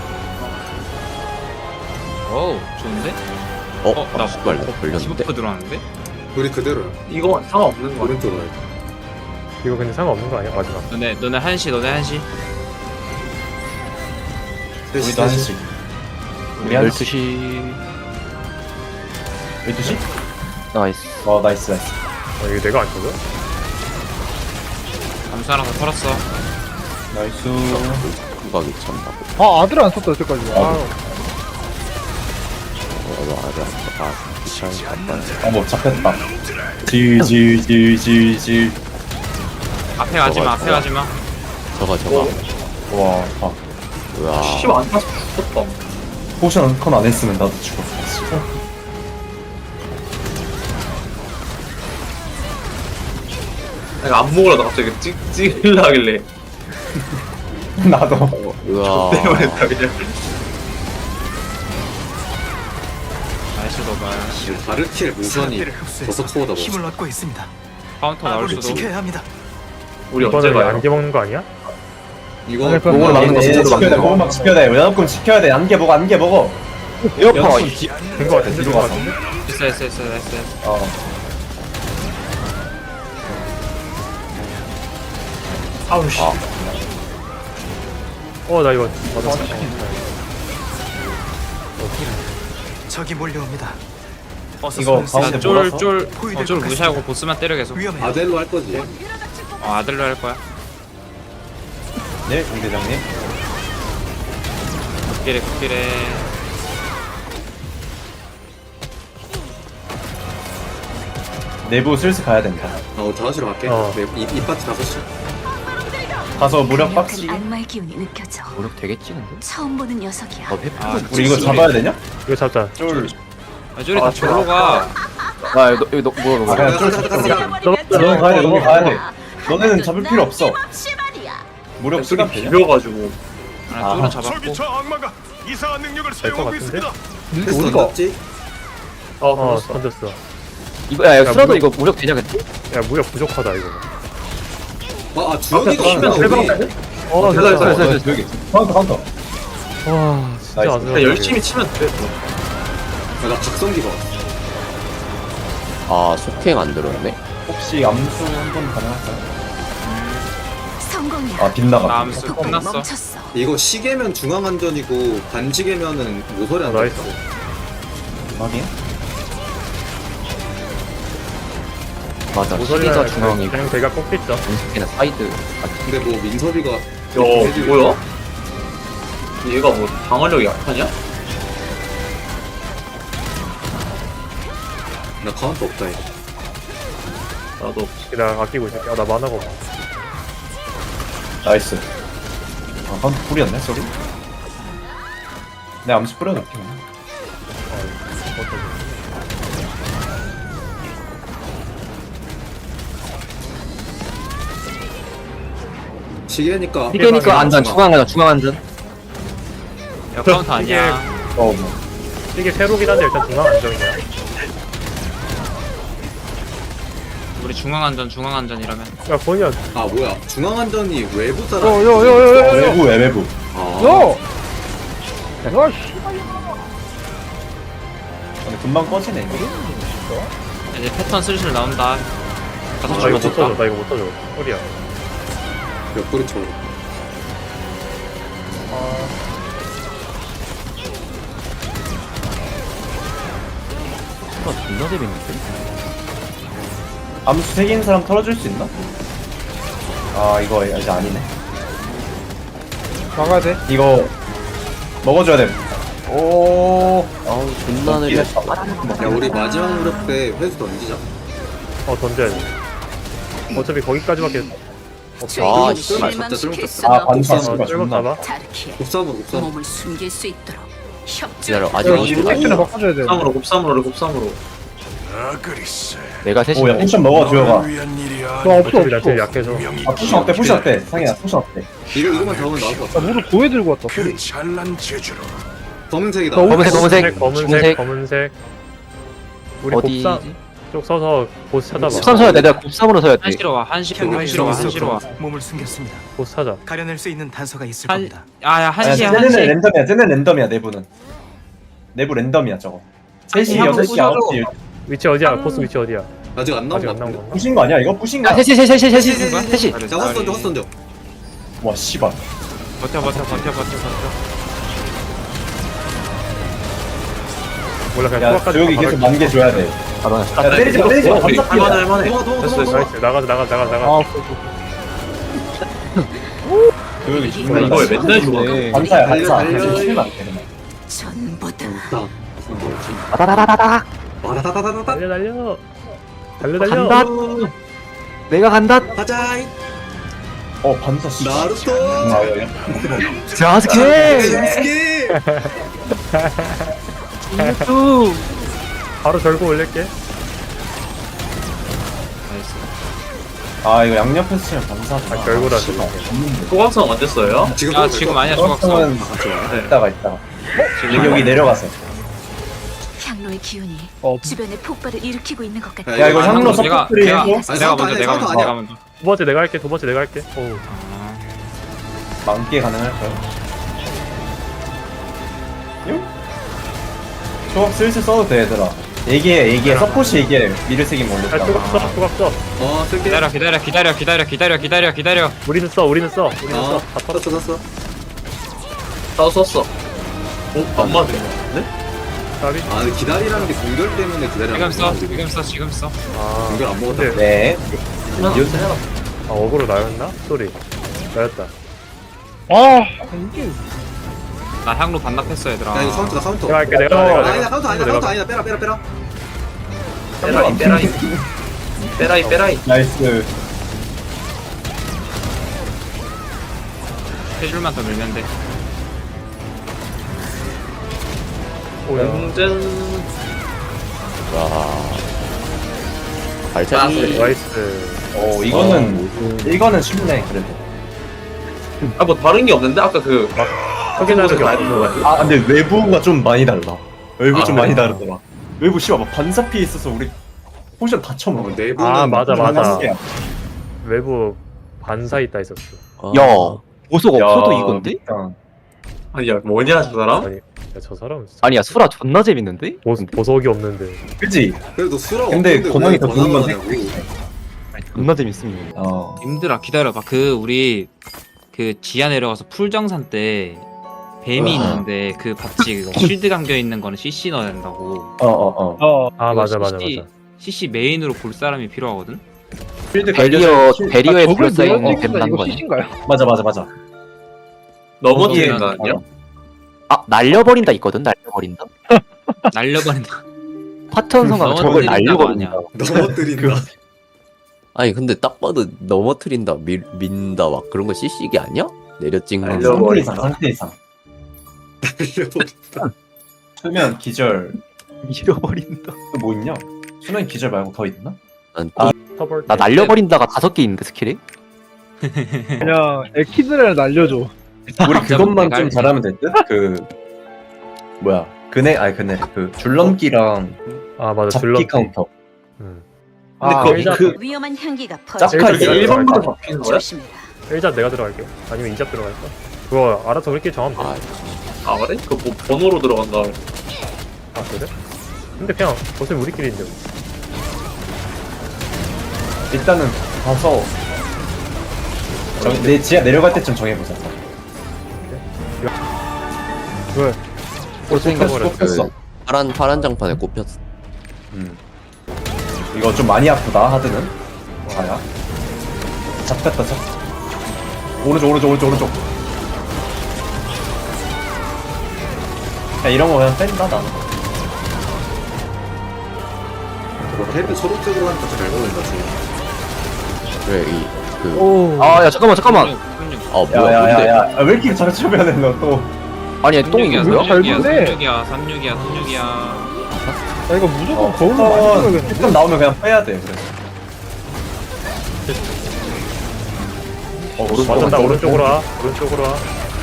[SPEAKER 5] 어우 좋은데?
[SPEAKER 1] 어?
[SPEAKER 5] 어, 나
[SPEAKER 1] 아, 씨발 나 걸렸는데?
[SPEAKER 5] 디버프 들어왔는데? 우리 그대로야.
[SPEAKER 9] 이거 상관없는 거
[SPEAKER 5] 오른쪽으로 해.
[SPEAKER 2] 이거 근데 상관없는 거 아니야? 마지막.
[SPEAKER 5] 너네 너네 한 시 너네 한 시.
[SPEAKER 3] 우리도 한 시씩. 우리 한
[SPEAKER 8] 열두
[SPEAKER 3] 시.
[SPEAKER 8] 시
[SPEAKER 3] 열두 시?
[SPEAKER 8] 나이스.
[SPEAKER 3] 어 나이스 나이스.
[SPEAKER 2] 어, 이거 내가 안 쳐져?
[SPEAKER 5] 암수 하나 더 털었어.
[SPEAKER 3] 나이스.
[SPEAKER 1] 후각이 찬다고.
[SPEAKER 6] 아 아들 안 썼다 여태까지. 아,
[SPEAKER 1] 어, 너 아들 아 귀찮이 갔다.
[SPEAKER 3] 어뭐 잡혔다. 질질질질질.
[SPEAKER 5] 앞에 가지마 앞에
[SPEAKER 1] 저거,
[SPEAKER 5] 가지마.
[SPEAKER 1] 저거 저거.
[SPEAKER 3] 와. 아.
[SPEAKER 1] 우와.
[SPEAKER 3] 씨발 안 탔어. 죽었다. 포션 컨 안 했으면 나도 죽었어.
[SPEAKER 9] 내가 안 먹으려다 갑자기 찍, 찍으려 하길래
[SPEAKER 3] 나도.
[SPEAKER 1] 우와.
[SPEAKER 9] 때문에 했다 그냥.
[SPEAKER 5] 나이스 도발.
[SPEAKER 9] 바르킬 무선이 버섯 코어다
[SPEAKER 7] 힘을 얻고 있습니다.
[SPEAKER 5] 카운터 나올
[SPEAKER 7] 아군을
[SPEAKER 5] 수도.
[SPEAKER 7] 지켜야 합니다.
[SPEAKER 9] 우리 언제
[SPEAKER 2] 이거는
[SPEAKER 9] 가요?
[SPEAKER 2] 안개 먹는 거 아니야?
[SPEAKER 9] 이거
[SPEAKER 6] 아니, 그럼
[SPEAKER 3] 그걸
[SPEAKER 6] 아,
[SPEAKER 3] 막는 거
[SPEAKER 9] 진짜로
[SPEAKER 3] 지켜야 돼.
[SPEAKER 9] 막는 거.
[SPEAKER 3] 그걸 지켜야 돼. 연합금 지켜야 돼. 안개 먹어. 안개 먹어. 에어컨.
[SPEAKER 2] 된거 같은데?
[SPEAKER 3] 뒤로
[SPEAKER 2] 된거
[SPEAKER 3] 가서.
[SPEAKER 2] 같은데?
[SPEAKER 5] 됐어 됐어 됐어 됐어.
[SPEAKER 3] 어.
[SPEAKER 9] 아우 씨.
[SPEAKER 2] 어 나 이거 맞았어.
[SPEAKER 7] 적이 몰려옵니다. 어서
[SPEAKER 3] 이거
[SPEAKER 7] 손을
[SPEAKER 3] 가운데
[SPEAKER 7] 쓰세요.
[SPEAKER 3] 몰아서?
[SPEAKER 5] 쫄쫄쫄 무시하고 보스만 때려 계속.
[SPEAKER 7] 위험해요.
[SPEAKER 9] 아델로 할 거지.
[SPEAKER 5] 어 아들로 할 거야.
[SPEAKER 3] 네, 공 대장님.
[SPEAKER 5] 극딜에 극딜에.
[SPEAKER 3] 내부 슬슬 가야 된다.
[SPEAKER 9] 어 다섯 시로 갈게.
[SPEAKER 2] 어.
[SPEAKER 9] 네, 이, 이 파트 다섯 시.
[SPEAKER 3] 가서 무력 박스.
[SPEAKER 4] 여기 악마의 기운이 느껴져.
[SPEAKER 8] 노력 되겠지 근데?
[SPEAKER 4] 처음 보는 녀석이야.
[SPEAKER 8] 어 회피.
[SPEAKER 5] 아
[SPEAKER 3] 우리 이거 잡아야 되냐?
[SPEAKER 2] 이거 잡자.
[SPEAKER 3] 쫄.
[SPEAKER 5] 아 쫄이 다 절로 가.
[SPEAKER 8] 아 이거 이거 너 뭐야
[SPEAKER 3] 아,
[SPEAKER 8] 뭐
[SPEAKER 3] 그냥 쫄
[SPEAKER 9] 가자, 가자,
[SPEAKER 3] 잡자.
[SPEAKER 9] 가자.
[SPEAKER 3] 너는 가야 돼. 너는 가야 돼. 너네는 잡을 필요 없어. 무력
[SPEAKER 9] 소리
[SPEAKER 3] 시간 되냐?
[SPEAKER 9] 비벼가지고.
[SPEAKER 5] 아
[SPEAKER 3] 아하.
[SPEAKER 5] 쫄은 잡았고.
[SPEAKER 7] 저기 저 악마가 이상한 능력을
[SPEAKER 2] 될것
[SPEAKER 7] 사용하고
[SPEAKER 2] 같은데?
[SPEAKER 7] 있습니다.
[SPEAKER 9] 패스
[SPEAKER 6] 어디가?
[SPEAKER 9] 던졌지?
[SPEAKER 2] 어
[SPEAKER 9] 어,
[SPEAKER 2] 던졌어.
[SPEAKER 8] 이거 야 이거
[SPEAKER 2] 야,
[SPEAKER 8] 쓰라도
[SPEAKER 2] 무력-
[SPEAKER 8] 이거 무력 되냐 근데?
[SPEAKER 2] 야 무력 부족하다 이거.
[SPEAKER 9] 아, 아 주혁이가
[SPEAKER 3] 아,
[SPEAKER 9] 오면
[SPEAKER 3] 대박.
[SPEAKER 9] 우리
[SPEAKER 2] 어
[SPEAKER 9] 됐어, 됐어,
[SPEAKER 2] 됐어.
[SPEAKER 9] 됐어.
[SPEAKER 3] 여기. 카운터 카운터.
[SPEAKER 2] 와 진짜
[SPEAKER 3] 나이스.
[SPEAKER 2] 안
[SPEAKER 9] 그냥 열심히 치면 돼. 아, 나 각성기가 왔어.
[SPEAKER 1] 아 속행 안 들었네.
[SPEAKER 3] 혹시 암수 한 번 가능할까요?
[SPEAKER 4] 성공이야.
[SPEAKER 3] 아 빗나가.
[SPEAKER 5] 나 암수
[SPEAKER 4] 폭풍이
[SPEAKER 5] 끝났어.
[SPEAKER 4] 멈췄어.
[SPEAKER 9] 이거 시계면 중앙안전이고 반지계면은 모서리
[SPEAKER 2] 어,
[SPEAKER 9] 안전.
[SPEAKER 2] 나이스.
[SPEAKER 3] 확인.
[SPEAKER 8] 맞아.
[SPEAKER 2] 모서리가
[SPEAKER 8] 시기가 중앙이고
[SPEAKER 2] 그냥 대가 꺾겠죠.
[SPEAKER 8] 은숙이는 사이드.
[SPEAKER 9] 근데 뭐 민섭이가
[SPEAKER 5] 어,
[SPEAKER 9] 해주고.
[SPEAKER 5] 뭐야? 얘가 뭐 방어력이 약하냐?
[SPEAKER 9] 나 카운터 없다 이거.
[SPEAKER 5] 나도.
[SPEAKER 2] 나 아끼고 있을게. 아, 나 만화가 없어.
[SPEAKER 3] 나이스. 아 카운터 뿌렸네 소리. 내 암수 뿌려놓게.
[SPEAKER 9] 시계니까.
[SPEAKER 8] 시계니까 안전 중앙 안전 중앙 안전.
[SPEAKER 5] 야 카운터 아니야.
[SPEAKER 3] 어 뭐.
[SPEAKER 2] 이게 세로긴 한데 일단 중앙 안정이야.
[SPEAKER 5] 우리 중앙 안전 중앙 안전이라면.
[SPEAKER 2] 야 거기야.
[SPEAKER 9] 아 뭐야 중앙안전이 외부 사람.
[SPEAKER 3] 어,
[SPEAKER 6] 요요요요요.
[SPEAKER 3] 외부 외부.
[SPEAKER 9] 아.
[SPEAKER 6] 요. 야 씨.
[SPEAKER 3] 근데 금방 꺼지네 이거.
[SPEAKER 5] 이제 패턴 슬슬 나온다. 가서
[SPEAKER 2] 나 이거 못
[SPEAKER 5] 죽여줄까?
[SPEAKER 2] 써줘. 나 이거 못 써줘. 소리야.
[SPEAKER 9] 옆구리 쳐.
[SPEAKER 8] 수가 존나 재밌는데?
[SPEAKER 3] 암수 세 개인 사람 털어줄 수 있나? 아 이거 이제 아니네.
[SPEAKER 6] 막아야 돼.
[SPEAKER 3] 이거 먹어줘야 돼. 오.
[SPEAKER 1] 아우 존나 느려.
[SPEAKER 9] 야 우리 마지막 무력 때 회수 던지자.
[SPEAKER 2] 어 던져야 돼. 어차피 거기까지밖에
[SPEAKER 1] 아,
[SPEAKER 9] 아,
[SPEAKER 1] 씨.
[SPEAKER 9] 진짜 쓸모없다.
[SPEAKER 3] 아 반사
[SPEAKER 2] 어,
[SPEAKER 3] 씨가
[SPEAKER 2] 쓸모
[SPEAKER 3] 존나.
[SPEAKER 2] 잡아.
[SPEAKER 4] 다르키에
[SPEAKER 9] 곱삼으로 곱삼.
[SPEAKER 4] 몸을 숨길 수 있도록 협조.
[SPEAKER 1] 기다려 아직
[SPEAKER 6] 야,
[SPEAKER 1] 어디
[SPEAKER 6] 이거 팩트를 바꿔줘야 돼.
[SPEAKER 9] 곱삼으로 곱삼으로 곱삼으로.
[SPEAKER 7] 아 그리스.
[SPEAKER 8] 내가 셋이.
[SPEAKER 3] 오야 포션 먹어 주혁아.
[SPEAKER 7] 너를 위한 일이
[SPEAKER 6] 너
[SPEAKER 7] 아니.
[SPEAKER 6] 없어
[SPEAKER 2] 어차피 나
[SPEAKER 6] 없어.
[SPEAKER 2] 제일 약해서.
[SPEAKER 3] 아 포션 어때 포션 어때? 상이야 포션 어때?
[SPEAKER 9] 이거 이거만 잡으면 나올 것
[SPEAKER 6] 나
[SPEAKER 9] 같아.
[SPEAKER 6] 무릎 고에 들고 왔다 소리.
[SPEAKER 7] 그 찬란 제주로
[SPEAKER 9] 검은색이다.
[SPEAKER 6] 너
[SPEAKER 8] 검은색 검은색
[SPEAKER 2] 검은색
[SPEAKER 8] 검은색.
[SPEAKER 2] 검은색. 우리
[SPEAKER 8] 어디지?
[SPEAKER 2] 곱삼 쪽 서서 보스 찾아봐.
[SPEAKER 8] 곱삼 서야 돼. 내가 곱삼으로 서야 돼.
[SPEAKER 5] 한시로 와 한시로 한시로 와 한시로 와.
[SPEAKER 7] 몸을 숨겼습니다.
[SPEAKER 2] 보스 찾아.
[SPEAKER 7] 가려낼 수 있는 단서가 있을
[SPEAKER 5] 한
[SPEAKER 7] 겁니다.
[SPEAKER 5] 아야
[SPEAKER 3] 아니야
[SPEAKER 5] 한시야
[SPEAKER 3] 쟤네는
[SPEAKER 5] 한시.
[SPEAKER 3] 랜덤이야. 쟤네는 랜덤이야 내부는. 내부 랜덤이야 저거. 세 시,
[SPEAKER 5] 한번
[SPEAKER 3] 여섯 시,
[SPEAKER 5] 부셔줘.
[SPEAKER 3] 아홉 시.
[SPEAKER 2] 위치 어디야? 보스 위치 어디야?
[SPEAKER 9] 아직 안 나온
[SPEAKER 2] 아직
[SPEAKER 9] 것
[SPEAKER 2] 안 나온
[SPEAKER 9] 같은데.
[SPEAKER 2] 건가?
[SPEAKER 3] 부신 거 아니야? 이거 부신
[SPEAKER 8] 야
[SPEAKER 3] 거야?
[SPEAKER 8] 셋이 셋이 셋이 셋이 셋이.
[SPEAKER 9] 자 화스 던져 화스 던져.
[SPEAKER 3] 와 씨발.
[SPEAKER 5] 버텨 버텨 버텨 버텨 버텨.
[SPEAKER 2] 몰라 그냥
[SPEAKER 3] 야
[SPEAKER 2] 후각까지
[SPEAKER 3] 조혁이
[SPEAKER 2] 다
[SPEAKER 3] 계속
[SPEAKER 2] 박을게.
[SPEAKER 3] 만개 줘야 돼.
[SPEAKER 8] 아 나.
[SPEAKER 3] 야 때리지 마 때리지 마. 감사
[SPEAKER 9] 할만해
[SPEAKER 3] 피해.
[SPEAKER 9] 할만해. 도망가 도망가
[SPEAKER 2] 됐어
[SPEAKER 9] 도망가.
[SPEAKER 2] 나이스 나가자 나가자 나가자
[SPEAKER 6] 아
[SPEAKER 2] 나가.
[SPEAKER 6] 오케이, 오케이.
[SPEAKER 3] 교육이
[SPEAKER 4] 이
[SPEAKER 3] 존나
[SPEAKER 5] 이걸
[SPEAKER 3] 이거
[SPEAKER 5] 맨날 죽어.
[SPEAKER 3] 반사야 반사.
[SPEAKER 9] 달려, 달려.
[SPEAKER 3] 치면 안 돼, 그냥.
[SPEAKER 4] 전부 다
[SPEAKER 8] 따다다다다.
[SPEAKER 9] 와다다다다다.
[SPEAKER 2] 달려 달려. 달려 달려.
[SPEAKER 8] 간다. 내가 간다.
[SPEAKER 9] 가자.
[SPEAKER 3] 어 반사 씨.
[SPEAKER 9] 나루토.
[SPEAKER 3] 아, 야, 야.
[SPEAKER 8] 자스케.
[SPEAKER 9] 스키.
[SPEAKER 8] 이것도.
[SPEAKER 2] 바로 절고 올릴게.
[SPEAKER 3] 아 이거 양옆에서 치면 반사구나.
[SPEAKER 2] 아, 결국은 안
[SPEAKER 3] 씨발,
[SPEAKER 2] 되네.
[SPEAKER 3] 없는데.
[SPEAKER 5] 소각성 언제 써요?
[SPEAKER 9] 지금
[SPEAKER 10] 야 지금 아니야 조각성.
[SPEAKER 3] 소각성은
[SPEAKER 5] 네.
[SPEAKER 3] 이따가 이따가. 여기 여기 내려가서.
[SPEAKER 4] 향로의 기운이
[SPEAKER 6] 어.
[SPEAKER 4] 주변에 폭발을 일으키고 있는 것 같아.
[SPEAKER 3] 야 이거 향로
[SPEAKER 10] 내가
[SPEAKER 3] 서포트리
[SPEAKER 10] 내가
[SPEAKER 3] 해줘.
[SPEAKER 10] 내가 먼저 내가 먼저
[SPEAKER 9] 아니야.
[SPEAKER 10] 내가 먼저.
[SPEAKER 2] 두 번째 내가 할게. 두 번째 내가 할게. 오.
[SPEAKER 3] 만개 가능할까요? 요? 조각 슬슬 써도 돼 얘들아. 얘기해 얘기해 서포시 얘기해. 미를 쓰기
[SPEAKER 2] 야
[SPEAKER 3] 모르겠다.
[SPEAKER 2] 조각 써. 조각 써.
[SPEAKER 9] 어 쓸게.
[SPEAKER 10] 기다려 기다려 기다려 기다려 기다려 기다려 기다려.
[SPEAKER 2] 우리는 써. 우리는 써. 우리는 써.
[SPEAKER 9] 어
[SPEAKER 2] 다 털어.
[SPEAKER 9] 썼어 썼어.
[SPEAKER 5] 나도 썼어. 오, 안 맞네.
[SPEAKER 2] 까비.
[SPEAKER 9] 아 근데 기다리라는 게 공결 때문에 기다리라는
[SPEAKER 10] 지금 써 지금 써 지금 써.
[SPEAKER 2] 아.
[SPEAKER 9] 공결 안 먹었다.
[SPEAKER 2] 근데
[SPEAKER 3] 네.
[SPEAKER 2] 아 어그로 나였나? 쏘리. 나였다.
[SPEAKER 6] 아 이게
[SPEAKER 10] 나 향로 반납했어 얘들아.
[SPEAKER 9] 야 이거 카운터다 카운터.
[SPEAKER 2] 내가 할게. 내가
[SPEAKER 9] 아,
[SPEAKER 2] 내가.
[SPEAKER 9] 아니다
[SPEAKER 2] 내가.
[SPEAKER 9] 카운터 아니다
[SPEAKER 2] 내가.
[SPEAKER 9] 카운터 아니다 빼라 빼라 빼라.
[SPEAKER 5] 빼라이, 빼라이. 빼라이, 빼라이.
[SPEAKER 3] 나이스.
[SPEAKER 10] 세 줄만 더 밀면 돼.
[SPEAKER 5] 공전.
[SPEAKER 1] 와. 발차기.
[SPEAKER 2] 나이스.
[SPEAKER 3] 어 이거는 이거는 쉽네 그래도.
[SPEAKER 5] 아, 뭐 다른 게 없는데? 아까 그.
[SPEAKER 2] 확인하는 게
[SPEAKER 5] 많이
[SPEAKER 2] 없는 거
[SPEAKER 5] 있는
[SPEAKER 2] 같아.
[SPEAKER 3] 아 근데 외부가 좀 많이 달라. 외부
[SPEAKER 5] 아,
[SPEAKER 3] 좀
[SPEAKER 5] 그래?
[SPEAKER 3] 많이 다르더라. 외부 씨발 막 반사 피해 있어서 우리 포션 다 쳐먹어.
[SPEAKER 9] 내부는
[SPEAKER 2] 아 맞아 맞아.
[SPEAKER 3] 반사야.
[SPEAKER 2] 외부 반사 있다 있었어.
[SPEAKER 1] 아.
[SPEAKER 8] 야 보석
[SPEAKER 3] 야,
[SPEAKER 8] 없어도 이건데?
[SPEAKER 3] 일단
[SPEAKER 5] 아니, 야, 뭐냐, 저 사람?
[SPEAKER 2] 아니, 야, 저 사람 진짜
[SPEAKER 8] 아니야 수라 존나 재밌는데?
[SPEAKER 2] 보, 보석이 없는데.
[SPEAKER 3] 그지?
[SPEAKER 9] 그래도 수라
[SPEAKER 3] 근데
[SPEAKER 9] 없는데
[SPEAKER 3] 고망이
[SPEAKER 9] 왜
[SPEAKER 3] 더 좋은 건
[SPEAKER 9] 권한을 하냐고.
[SPEAKER 8] 존나 재밌습니다.
[SPEAKER 3] 어.
[SPEAKER 10] 님들아 기다려봐. 그 우리 그 지하 내려가서 풀정산 때 뱀이 있는데 그 봤지 그거 쉴드 감겨 있는 거는 씨씨 넣어야 된다고.
[SPEAKER 3] 어 어 어.
[SPEAKER 6] 어
[SPEAKER 2] 아
[SPEAKER 10] 이거
[SPEAKER 2] 맞아 맞아
[SPEAKER 10] 씨씨
[SPEAKER 2] 맞아.
[SPEAKER 10] 씨씨 메인으로 볼 사람이 필요하거든.
[SPEAKER 3] 필드
[SPEAKER 8] 베리어
[SPEAKER 3] 갈겨져-
[SPEAKER 8] 베리어에
[SPEAKER 6] 저걸
[SPEAKER 8] 둘러싸인
[SPEAKER 6] 내가
[SPEAKER 8] 뱀 난
[SPEAKER 6] 이거
[SPEAKER 8] 거야.
[SPEAKER 6] 씨신가요?
[SPEAKER 3] 맞아 맞아 맞아.
[SPEAKER 5] 넘어지는
[SPEAKER 10] 어,
[SPEAKER 5] 거 아니야?
[SPEAKER 8] 아 날려버린다 있거든. 날려버린다.
[SPEAKER 10] 날려버린다.
[SPEAKER 8] 화천성가 저걸
[SPEAKER 10] 넘어뜨린다고 아니야.
[SPEAKER 8] 날려버린다.
[SPEAKER 9] 넘어뜨린다.
[SPEAKER 1] 아니 근데 딱 봐도 넘어뜨린다, 밀, 민다 막 그런 거 씨씨기 아니야? 내려 찍는 거.
[SPEAKER 5] 알려.
[SPEAKER 3] 상태 이상 상태 이상. 수면 기절
[SPEAKER 8] 밀어버린다.
[SPEAKER 3] 또 뭐 있냐? 수면 기절 말고 더 있나?
[SPEAKER 1] 난
[SPEAKER 3] 아,
[SPEAKER 2] 터벌.
[SPEAKER 8] 나 날려버린다가 다섯 개 있는데 스킬이?
[SPEAKER 6] 그냥 에키드를 날려줘.
[SPEAKER 3] 우리 그것만
[SPEAKER 10] 내가
[SPEAKER 3] 좀
[SPEAKER 10] 알지.
[SPEAKER 3] 잘하면 될 듯? 그 뭐야? 그네 아니 그네 그 줄넘기랑
[SPEAKER 2] 아 맞아.
[SPEAKER 3] 잡기
[SPEAKER 2] 줄넘기.
[SPEAKER 3] 카운터.
[SPEAKER 2] 응.
[SPEAKER 3] 근데
[SPEAKER 2] 아,
[SPEAKER 3] 그거
[SPEAKER 2] 일자-
[SPEAKER 3] 그
[SPEAKER 4] 위험한 향기가
[SPEAKER 3] 짭-
[SPEAKER 4] 퍼져.
[SPEAKER 3] 짭-
[SPEAKER 5] 이게
[SPEAKER 2] 일자
[SPEAKER 5] 일 번부터
[SPEAKER 2] 들어갈까?
[SPEAKER 5] 잡히는 거야?
[SPEAKER 4] 조심해라.
[SPEAKER 2] 일자 내가 들어갈게. 아니면 이자 들어갈까? 그거 알아서 우리끼리 정하면 돼.
[SPEAKER 1] 아,
[SPEAKER 5] 아, 그래? 그 뭐, 번호로 들어간다.
[SPEAKER 2] 아 그래? 근데 그냥 어차피 우리끼리인데. 뭐.
[SPEAKER 3] 일단은 가서 정, 내 지하 내려갈 때쯤 정해보자.
[SPEAKER 6] 왜?
[SPEAKER 2] 생각-
[SPEAKER 3] 꼽혔어, 꼽혔어.
[SPEAKER 1] 그 파란 파란 장판에 꼽혔어.
[SPEAKER 3] 음. 이거 좀 많이 아프다 하드는. 자야. 잡혔다 잡. 오른쪽 오른쪽 오른쪽 오른쪽. 야 이런 거 그냥 뺀다 나.
[SPEAKER 9] 헤드 초록색으로 하니까 잘 보인다 지금.
[SPEAKER 1] 그래 이그
[SPEAKER 6] 오.
[SPEAKER 8] 아야 잠깐만 잠깐만.
[SPEAKER 1] 아 뭐야 근데
[SPEAKER 3] 야야야야 왜 이렇게 자꾸 쳐면해 너 또.
[SPEAKER 8] 아니 똥이
[SPEAKER 10] 삼육이야,
[SPEAKER 8] 뭐야?
[SPEAKER 6] 잘
[SPEAKER 10] 삼육이야,
[SPEAKER 6] 보네.
[SPEAKER 10] 삼육이야, 삼육이야, 삼육이야.
[SPEAKER 6] 야 이거 무조건
[SPEAKER 3] 어,
[SPEAKER 6] 거울로 많이
[SPEAKER 3] 어,
[SPEAKER 6] 들어가겠는데?
[SPEAKER 3] 일단 나오면 그냥 빼야 돼 그래. 어 오른쪽
[SPEAKER 2] 맞아 나 오른쪽으로 와. 오른쪽으로 와.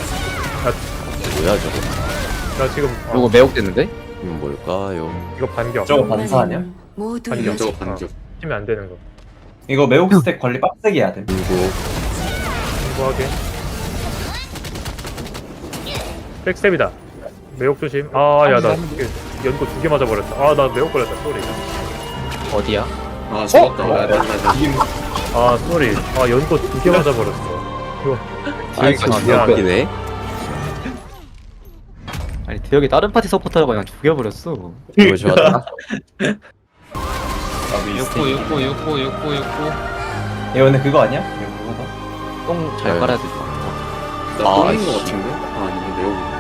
[SPEAKER 1] 뭐야 저거?
[SPEAKER 2] 나 지금 어,
[SPEAKER 8] 이거 매혹됐는데?
[SPEAKER 1] 이건 뭘까요?
[SPEAKER 2] 이거 반격.
[SPEAKER 3] 저거 반사 아니야?
[SPEAKER 4] 모두
[SPEAKER 2] 반격.
[SPEAKER 9] 반격 저거 반격.
[SPEAKER 2] 치면 안 되는 거.
[SPEAKER 3] 이거 매혹 스택 관리 빡세게 해야 돼.
[SPEAKER 1] 그리고
[SPEAKER 2] 공부하게. 백스텝이다. 매혹 조심. 아, 야, 나 연고 두 개 맞아버렸다. 아, 나 매혹 걸렸다. 쏘리.
[SPEAKER 8] 어디야?
[SPEAKER 9] 아 죽었다. 나, 나, 나, 나.
[SPEAKER 2] 아, 쏘리. 아, 연고 두 개 맞아버렸어. 이거
[SPEAKER 1] 아 이거 진짜 웃기네.
[SPEAKER 8] 아니 대혁이 다른 파티 서포터라고 그냥 죽여버렸어.
[SPEAKER 1] 이거 좋았다.
[SPEAKER 3] 나도 이
[SPEAKER 10] 육구,
[SPEAKER 3] 스택.
[SPEAKER 10] 육구, 육구, 육구, 육구.
[SPEAKER 3] 이거 근데 그거 아니야? 이거 그거다.
[SPEAKER 8] 똥 잘
[SPEAKER 1] 네.
[SPEAKER 8] 깔아야 될 것 같아.
[SPEAKER 9] 나
[SPEAKER 1] 아,
[SPEAKER 9] 뻥인 거
[SPEAKER 1] 씨.
[SPEAKER 9] 같은데? 아 아니네 내용.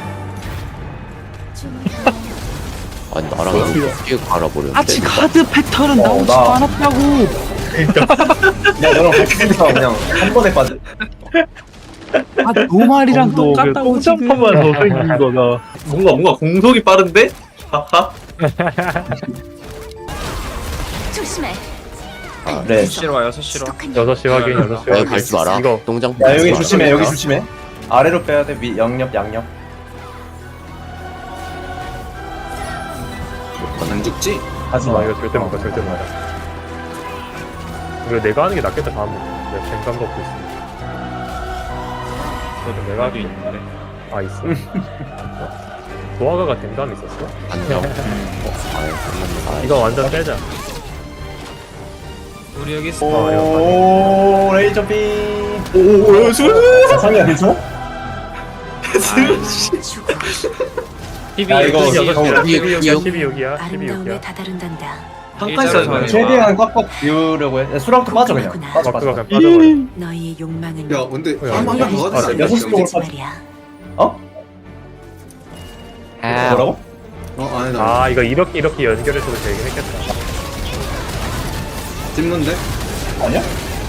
[SPEAKER 1] 아니 나랑 어떻게 갈아버렸는데?
[SPEAKER 10] 아직 카드 패턴은
[SPEAKER 3] 어,
[SPEAKER 10] 나오지
[SPEAKER 3] 나-
[SPEAKER 10] 않았다고.
[SPEAKER 3] 그냥 너랑 같이 있어 그냥 한 번에 빠져.
[SPEAKER 10] 아 노말이랑
[SPEAKER 6] 너
[SPEAKER 10] 똑같다고 지금.
[SPEAKER 6] 똥장판만 더 생긴 거다.
[SPEAKER 5] 뭔가 뭔가 공속이 빠른데? 하하.
[SPEAKER 4] 조심해.
[SPEAKER 1] 아,
[SPEAKER 3] 네.
[SPEAKER 10] 여섯 시로 와 여섯 시로.
[SPEAKER 4] 지독한
[SPEAKER 2] 여섯 시 확인 여섯 시
[SPEAKER 1] 야,
[SPEAKER 2] 확인.
[SPEAKER 1] 밟지 마라.
[SPEAKER 2] 이거
[SPEAKER 1] 똥장.
[SPEAKER 3] 야 여기
[SPEAKER 1] 밟지 마라.
[SPEAKER 3] 조심해 여기 조심해. 아래로 빼야 돼. 위 양옆 양옆.
[SPEAKER 9] 안 죽지?
[SPEAKER 3] 하지
[SPEAKER 2] 아
[SPEAKER 3] 마.
[SPEAKER 2] 이거 절대 못 가, 절대 못 가. 이거 내가 하는 게 낫겠다 다음에. 내가 뱅감 갖고 있으니까. 그래도 내가 하기 있는데. 아 있어? 도화가가 뱅감 있었어?
[SPEAKER 1] 안녕. 어, 아유, 장난이다.
[SPEAKER 2] 이거 완전 빼자.
[SPEAKER 10] 우리 여기 있어.
[SPEAKER 2] 어, 이거
[SPEAKER 3] 오 레이저 빔.
[SPEAKER 5] 오오오
[SPEAKER 3] 야, 상이야 괜찮아?
[SPEAKER 4] 죽어.
[SPEAKER 3] 야 이거
[SPEAKER 2] 여섯 시야,
[SPEAKER 1] 어,
[SPEAKER 2] 십이 여기야,
[SPEAKER 1] 이거-
[SPEAKER 2] 십이 여기야, 십이
[SPEAKER 4] 아름다움에
[SPEAKER 2] 여기야.
[SPEAKER 4] 다다른단다.
[SPEAKER 5] 한칸
[SPEAKER 10] 일자로
[SPEAKER 5] 써야 돼.
[SPEAKER 3] 최대한 꽉꽉 비우려고 해. 야, 수락도 빠져 그냥. 빠져
[SPEAKER 2] 마크가
[SPEAKER 3] 빠져.
[SPEAKER 2] 그냥 빠져버려.
[SPEAKER 4] 너의 욕망은
[SPEAKER 9] 야 근데
[SPEAKER 2] 야,
[SPEAKER 9] 한번
[SPEAKER 2] 이거-
[SPEAKER 9] 더
[SPEAKER 2] 아,
[SPEAKER 9] 하자.
[SPEAKER 3] 여섯 시 쪽으로
[SPEAKER 4] 하지 말이야.
[SPEAKER 3] 어?
[SPEAKER 8] 아,
[SPEAKER 3] 뭐라고?
[SPEAKER 9] 어 아니 나
[SPEAKER 2] 아 이거 이렇게 이렇게 연결해서도 되긴 했겠다.
[SPEAKER 9] 찝는데?
[SPEAKER 3] 아니야?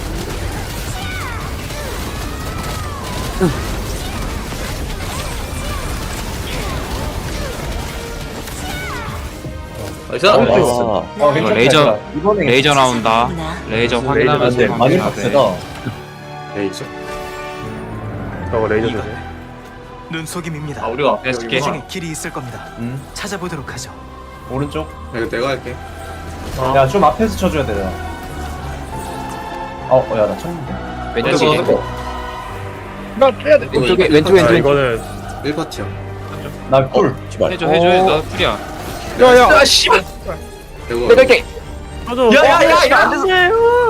[SPEAKER 5] 나이스.
[SPEAKER 1] 아,
[SPEAKER 3] 어
[SPEAKER 10] 이거
[SPEAKER 3] 괜찮다.
[SPEAKER 10] 레이저-
[SPEAKER 3] 얘들아. 이번에
[SPEAKER 10] 레이저 나온다. 레이저
[SPEAKER 2] 레이저
[SPEAKER 10] 확인하면서
[SPEAKER 2] 안 돼.
[SPEAKER 3] 많이
[SPEAKER 10] 확인해야 돼.
[SPEAKER 3] 빡세다.
[SPEAKER 9] 레이저?
[SPEAKER 2] 저거 레이저 조심.
[SPEAKER 7] 눈속임입니다.
[SPEAKER 5] 아 우리가
[SPEAKER 10] 렛츠
[SPEAKER 7] 이
[SPEAKER 10] 겟.
[SPEAKER 7] 중에 길이 있을 겁니다.
[SPEAKER 3] 음
[SPEAKER 7] 찾아보도록 하죠.
[SPEAKER 3] 오른쪽.
[SPEAKER 9] 야 이거 내가 할게.
[SPEAKER 2] 어,
[SPEAKER 3] 야 좀 앞에서 쳐줘야 되잖아. 어, 야, 나 쳤는데.
[SPEAKER 8] 왼쪽에
[SPEAKER 9] 이거
[SPEAKER 6] 나 빼야 돼.
[SPEAKER 8] 왼쪽에 왼쪽
[SPEAKER 2] 아,
[SPEAKER 8] 왼쪽.
[SPEAKER 2] 이거는
[SPEAKER 9] 일 파티야.
[SPEAKER 3] 나 꿀.
[SPEAKER 1] 제발.
[SPEAKER 10] 해줘 해줘 해. 나도 풀이야.
[SPEAKER 8] 야야. 씨발.
[SPEAKER 9] 이거
[SPEAKER 8] 내가 이렇게.
[SPEAKER 2] 저도
[SPEAKER 8] 야야야 이거 안 됐어.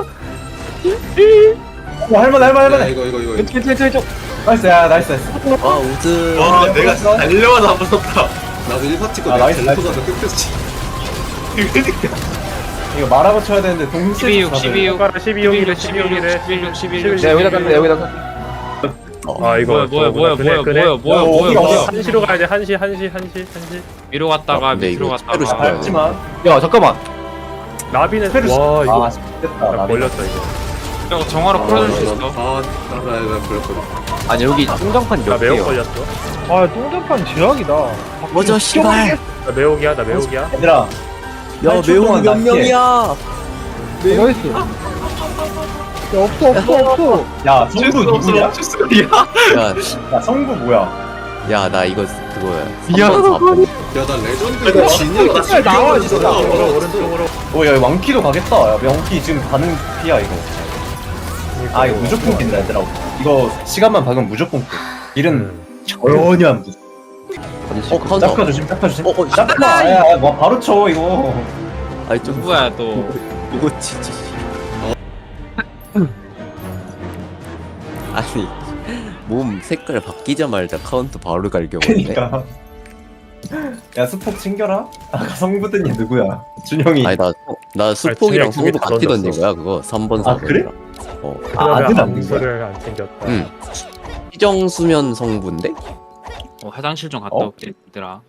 [SPEAKER 3] 어, 할만해, 할만해,
[SPEAKER 9] 야
[SPEAKER 3] 할만해.
[SPEAKER 9] 이거 이거 이거.
[SPEAKER 8] 왼쪽 왼쪽 왼쪽 왼쪽.
[SPEAKER 3] 나이스, 야, 나이스, 나이스.
[SPEAKER 1] 아 우즈.
[SPEAKER 5] 와 내가 달려와서 안 무섭다.
[SPEAKER 9] 나도 일 파티 거
[SPEAKER 3] 아,
[SPEAKER 9] 내가
[SPEAKER 3] 나이스,
[SPEAKER 9] 델포
[SPEAKER 3] 나이스.
[SPEAKER 9] 가서 끝냈지.
[SPEAKER 5] 그러니까.
[SPEAKER 3] 이거 말하고 쳐야 되는데, 동시에.
[SPEAKER 10] 십이육
[SPEAKER 3] 쳐서
[SPEAKER 10] 십이육
[SPEAKER 2] 손가락 십이 용이래, 십이 용이래.
[SPEAKER 10] 십일 육 십일 육.
[SPEAKER 8] 야 여기다 깐다 여기다 깐다.
[SPEAKER 2] 아 이거
[SPEAKER 10] 뭐야 뭐야 뭐야
[SPEAKER 2] 그네,
[SPEAKER 10] 뭐야
[SPEAKER 2] 그네.
[SPEAKER 10] 뭐야 뭐야
[SPEAKER 3] 어,
[SPEAKER 10] 뭐야
[SPEAKER 3] 어디가
[SPEAKER 10] 뭐야.
[SPEAKER 3] 어디가?
[SPEAKER 2] 한시로 가야 돼. 한시, 한시, 한시, 한시.
[SPEAKER 10] 위로 갔다가
[SPEAKER 1] 야, 근데
[SPEAKER 10] 밑으로
[SPEAKER 1] 이거 스페로
[SPEAKER 10] 갔다가.
[SPEAKER 1] 싶어요.
[SPEAKER 3] 밟지만.
[SPEAKER 8] 야 잠깐만.
[SPEAKER 2] 나비는
[SPEAKER 3] 스페르
[SPEAKER 2] 와 이거
[SPEAKER 3] 아, 됐다.
[SPEAKER 2] 나
[SPEAKER 3] 나비.
[SPEAKER 2] 걸렸어 이거.
[SPEAKER 10] 야, 정화로 풀어줄 수 있어.
[SPEAKER 9] 아나나 걸렸거든.
[SPEAKER 8] 아니 여기 똥장판
[SPEAKER 2] 나
[SPEAKER 8] 몇
[SPEAKER 2] 매혹
[SPEAKER 8] 개요?
[SPEAKER 2] 걸렸어.
[SPEAKER 6] 아 똥장판 제약이다.
[SPEAKER 1] 뭐죠 씨발.
[SPEAKER 2] 나 매혹이야, 나 매혹이야.
[SPEAKER 3] 얘들아.
[SPEAKER 1] 야
[SPEAKER 3] 팔 초
[SPEAKER 1] 매운
[SPEAKER 3] 동안
[SPEAKER 1] 몇
[SPEAKER 3] 낮게.
[SPEAKER 1] 명이야?
[SPEAKER 6] 나이스. 야 없어 없어 없어.
[SPEAKER 3] 야, 성부 누구냐?
[SPEAKER 5] 실수야.
[SPEAKER 1] 야,
[SPEAKER 3] 야, 성부 뭐야?
[SPEAKER 1] 야 나 이거 그거야.
[SPEAKER 8] 미안하다.
[SPEAKER 1] 삼 번,
[SPEAKER 9] 야나 레전드 진이가
[SPEAKER 3] 야, 나와, 진짜.
[SPEAKER 2] 오른쪽으로, 오른쪽으로.
[SPEAKER 3] 어, 야, 왕키도 가겠다. 야, 왕키 지금 가는 피야, 이거. 아, 이거 무조건 낀다, 얘들아. 이거 시간만 박으면 무조건 끼. 일은
[SPEAKER 2] 음.
[SPEAKER 3] 전혀 안 돼.
[SPEAKER 1] 어 카운터.
[SPEAKER 3] 짝카 조심, 짝카 조심.
[SPEAKER 1] 어, 어,
[SPEAKER 3] 짝카, 야, 야, 뭐 바로 쳐, 이거.
[SPEAKER 1] 아니 좀
[SPEAKER 10] 누구야 또.
[SPEAKER 1] 누구 치지? 아니 몸 색깔 바뀌자마자 카운트 바로 갈겨버리네.
[SPEAKER 3] 그니까. 야, 수폭 챙겨라? 아까 성부더니 누구야? 준영이.
[SPEAKER 1] 아니 나 나 수폭이랑
[SPEAKER 2] 준혁이
[SPEAKER 1] 성도
[SPEAKER 2] 다
[SPEAKER 1] 같이
[SPEAKER 2] 던졌어.
[SPEAKER 1] 던진 거야 그거 삼 번
[SPEAKER 3] 아,
[SPEAKER 1] 사 번.
[SPEAKER 3] 그래?
[SPEAKER 1] 어.
[SPEAKER 3] 아, 아들 안 된 거야?
[SPEAKER 2] 암수를 안 챙겼다.
[SPEAKER 1] 응. 희정수면 성분데?
[SPEAKER 10] 어, 화장실 좀 갔다
[SPEAKER 3] 어?
[SPEAKER 10] 올게 얘들아.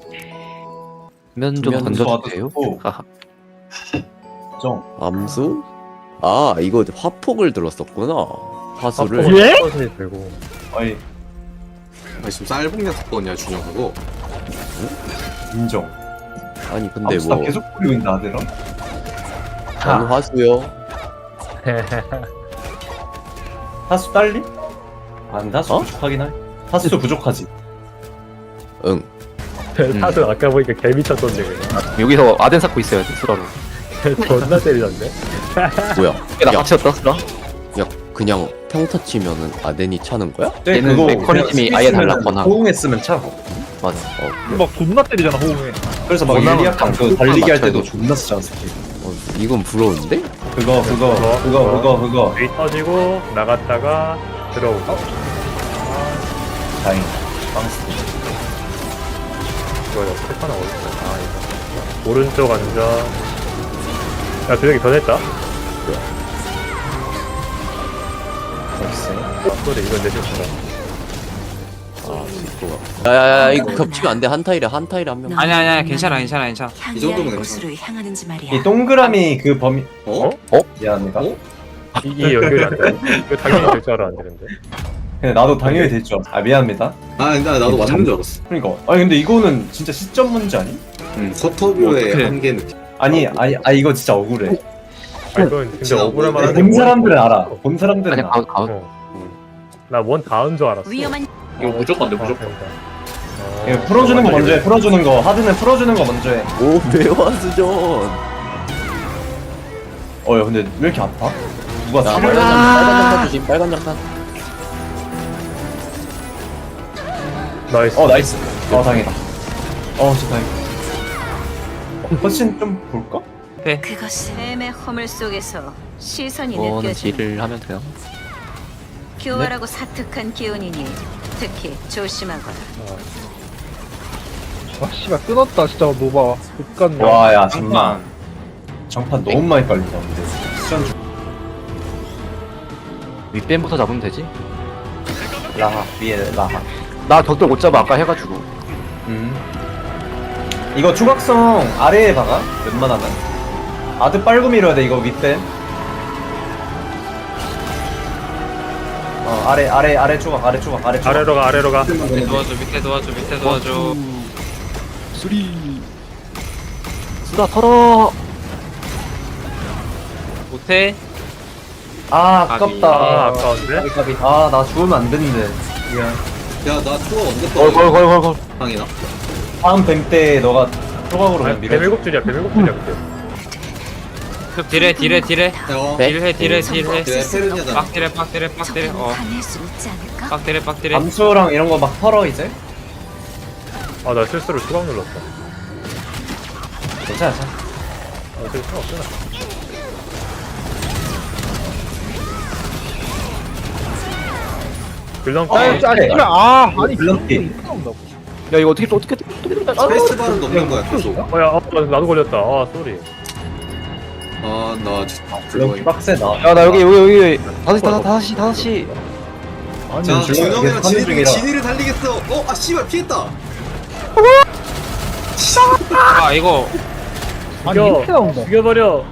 [SPEAKER 8] 면 좀
[SPEAKER 1] 면
[SPEAKER 8] 던져주세요.
[SPEAKER 3] 오,
[SPEAKER 8] 하하.
[SPEAKER 3] 정.
[SPEAKER 1] 암수? 아 이거 화폭을 들었었구나. 화수를.
[SPEAKER 2] 화폭을 예? 이 들고.
[SPEAKER 3] 어이,
[SPEAKER 9] 아 지금 쌀봉냐 샀거든요 준영 그거.
[SPEAKER 3] 인정.
[SPEAKER 1] 아니 근데
[SPEAKER 3] 암수 나
[SPEAKER 1] 뭐
[SPEAKER 3] 계속 뿌리고 있다, 아들아.
[SPEAKER 1] 전 화수요.
[SPEAKER 3] 타수 딸리? 안 타수
[SPEAKER 1] 어?
[SPEAKER 3] 부족하긴 할. 타수 부족하지.
[SPEAKER 1] 응.
[SPEAKER 2] 사실 아까 보니까 개 미쳤던데 그냥.
[SPEAKER 8] 여기서 아덴 쌓고 있어야 돼 수라로.
[SPEAKER 2] 존나 때리던데.
[SPEAKER 1] 뭐야?
[SPEAKER 8] 나
[SPEAKER 1] 야,
[SPEAKER 8] 같이 였다 수라.
[SPEAKER 1] 야 그냥 평타 치면은 아덴이 차는 거야?
[SPEAKER 8] 얘는 메커니즘이 아예 달랐거나.
[SPEAKER 3] 호응했으면 차고.
[SPEAKER 1] 맞아. 어,
[SPEAKER 6] 막 존나 때리잖아 호응에.
[SPEAKER 3] 그래서 막
[SPEAKER 8] 원하는
[SPEAKER 3] 릴리아칸 그
[SPEAKER 8] 딱
[SPEAKER 3] 달리기 할
[SPEAKER 8] 맞춰야
[SPEAKER 3] 때도
[SPEAKER 8] 돼.
[SPEAKER 3] 존나 쓰잖아, 스킬.
[SPEAKER 1] 어, 이건 부러운데?
[SPEAKER 3] 그거, 그거,
[SPEAKER 2] 그거,
[SPEAKER 3] 그거,
[SPEAKER 2] 그거.
[SPEAKER 3] 그거, 그거.
[SPEAKER 2] 웨이 터지고 나갔다가 들어오고.
[SPEAKER 3] 다행. 빵스.
[SPEAKER 2] 이거 이거 패턴 어딨어? 아 이거. 오른쪽 앉아. 야 두혁이 변했다.
[SPEAKER 3] 나이스.
[SPEAKER 2] 아, 그래 이건 내 실수다.
[SPEAKER 1] 아 진짜. 야야야 이거 겹치면 안 돼. 한 타일에 한 타일에 한 명.
[SPEAKER 10] 아니 아니 아니 괜찮아 괜찮아 괜찮아.
[SPEAKER 4] 향기할
[SPEAKER 9] 정도면
[SPEAKER 4] 곳으로 향하는지 말이야.
[SPEAKER 3] 이 동그라미 그 범위
[SPEAKER 9] 어?
[SPEAKER 3] 미안합니다.
[SPEAKER 9] 어?
[SPEAKER 2] 이게 연결이 안 돼. 이거 당연히 될 줄 알아 안 되는데.
[SPEAKER 3] 근데 나도 당연히 됐죠. 아 미안합니다.
[SPEAKER 9] 아 근데 나도 맞는 줄 알았어.
[SPEAKER 3] 그러니까 아니 근데 이거는 진짜 시점 문제 아니?
[SPEAKER 9] 응. 커터뷰의
[SPEAKER 10] 어떡해.
[SPEAKER 9] 한계 느낌.
[SPEAKER 3] 아니 아니 아 이거 진짜 억울해.
[SPEAKER 2] 아 이건 근데
[SPEAKER 9] 진짜
[SPEAKER 2] 억울할
[SPEAKER 9] 억울해.
[SPEAKER 2] 만한데.
[SPEAKER 3] 본 사람들은 알아. 본 사람들은
[SPEAKER 8] 아니
[SPEAKER 3] 알아.
[SPEAKER 8] 가운 가운.
[SPEAKER 2] 어. 나원 닿은 줄 알았어.
[SPEAKER 4] 위험한
[SPEAKER 5] 이거 무조건 돼
[SPEAKER 2] 아,
[SPEAKER 5] 무조건.
[SPEAKER 2] 그러니까.
[SPEAKER 3] 이거
[SPEAKER 2] 어,
[SPEAKER 3] 풀어주는 거
[SPEAKER 2] 완전히
[SPEAKER 3] 먼저 해. 풀어주는 거 하드는 풀어주는 거 먼저 해.
[SPEAKER 1] 오 매화수전.
[SPEAKER 3] 어야 근데 왜 이렇게 아파? 누가
[SPEAKER 1] 자
[SPEAKER 3] 치료를
[SPEAKER 1] 빨간 장 빨간 장판 주심. 빨간 장판.
[SPEAKER 2] 나이스.
[SPEAKER 3] 어 나이스. 어 다행이다. 어 진짜 다행이다. 어, 훨씬 좀 볼까?
[SPEAKER 4] 그것은 뱀의 허물 속에서 시선이
[SPEAKER 8] 이거는
[SPEAKER 4] 느껴지는
[SPEAKER 8] 딜을 하면 돼요.
[SPEAKER 4] 교활하고 사특한 기운이니 특히 조심하거라.
[SPEAKER 6] 아 씨발 끊었다 진짜 노바. 못갔네.
[SPEAKER 3] 와야 정말 정판 너무 많이 깔린다 근데. 시간 중
[SPEAKER 8] 윗뱀부터 잡으면 되지.
[SPEAKER 3] 라하 위에 라하.
[SPEAKER 8] 나 격돌 못 잡아 아까 해가지고.
[SPEAKER 3] 음. 이거 추각성 아래에 박아 웬만하면. 아드 빨고 밀어야 돼 이거 윗뱀. 어 아래 아래 아래 추각 아래 추각 아래 추각.
[SPEAKER 2] 아래로 가 아래로 가.
[SPEAKER 10] 밑에 도와줘 밑에 도와줘 밑에 도와줘.
[SPEAKER 8] 수리. 수다 털어.
[SPEAKER 10] 못해?
[SPEAKER 3] 아
[SPEAKER 10] 가비.
[SPEAKER 3] 아깝다.
[SPEAKER 2] 아 아까운데?
[SPEAKER 3] 까비. 아나 죽으면 안 되는데. 미안.
[SPEAKER 9] 야나 투어 언제 떠?
[SPEAKER 8] 걸걸걸걸걸.
[SPEAKER 9] 방이나.
[SPEAKER 3] 다음 뱀 때 너가 초각으로 그냥
[SPEAKER 2] 아니
[SPEAKER 3] 밀어.
[SPEAKER 2] 뱀일곱 줄이야 뱀일곱 줄이야 그때.
[SPEAKER 10] 그 딜해 딜해 딜해.
[SPEAKER 9] 어.
[SPEAKER 1] 네?
[SPEAKER 10] 딜해 딜해 딜해.
[SPEAKER 9] 그래 페르니아잖아.
[SPEAKER 10] 빡 딜해 빡 딜해 빡 딜해.
[SPEAKER 4] 조금
[SPEAKER 10] 어.
[SPEAKER 4] 반할 수 있지 않을까?
[SPEAKER 10] 빡 딜해 빡 딜해.
[SPEAKER 3] 암수랑 이런 거 막 털어 이제.
[SPEAKER 2] 아나 실수로 추각 눌렀어.
[SPEAKER 3] 괜찮아 괜찮아.
[SPEAKER 2] 아 실수 없잖아. 빌런
[SPEAKER 3] 아,
[SPEAKER 6] 아
[SPEAKER 2] 거.
[SPEAKER 6] 진짜 씨발 아 아니
[SPEAKER 3] 블런티.
[SPEAKER 6] 이렇게 나온다고.
[SPEAKER 8] 야 이거 어떻게 어떻게 어떻게 어떻게
[SPEAKER 9] 스페이스바는 넘는 거야 계속.
[SPEAKER 2] 어야 어, 나도 걸렸다. 아 쏘리.
[SPEAKER 9] 아나 진짜
[SPEAKER 3] 블런티
[SPEAKER 9] 불러야.
[SPEAKER 3] 빡세다.
[SPEAKER 8] 야 나 여기 여기 여기 다섯 시 다섯 다섯 시 다섯 시.
[SPEAKER 3] 아니
[SPEAKER 9] 자
[SPEAKER 3] 지금
[SPEAKER 9] 준영이랑
[SPEAKER 3] 계속 하는
[SPEAKER 9] 진이를
[SPEAKER 3] 중이라.
[SPEAKER 9] 진이를 달리겠어. 어 아 씨발 피했다.
[SPEAKER 10] 아 이거
[SPEAKER 6] 아니
[SPEAKER 2] 죽여.
[SPEAKER 6] 이렇게 나온다.
[SPEAKER 2] 죽여버려.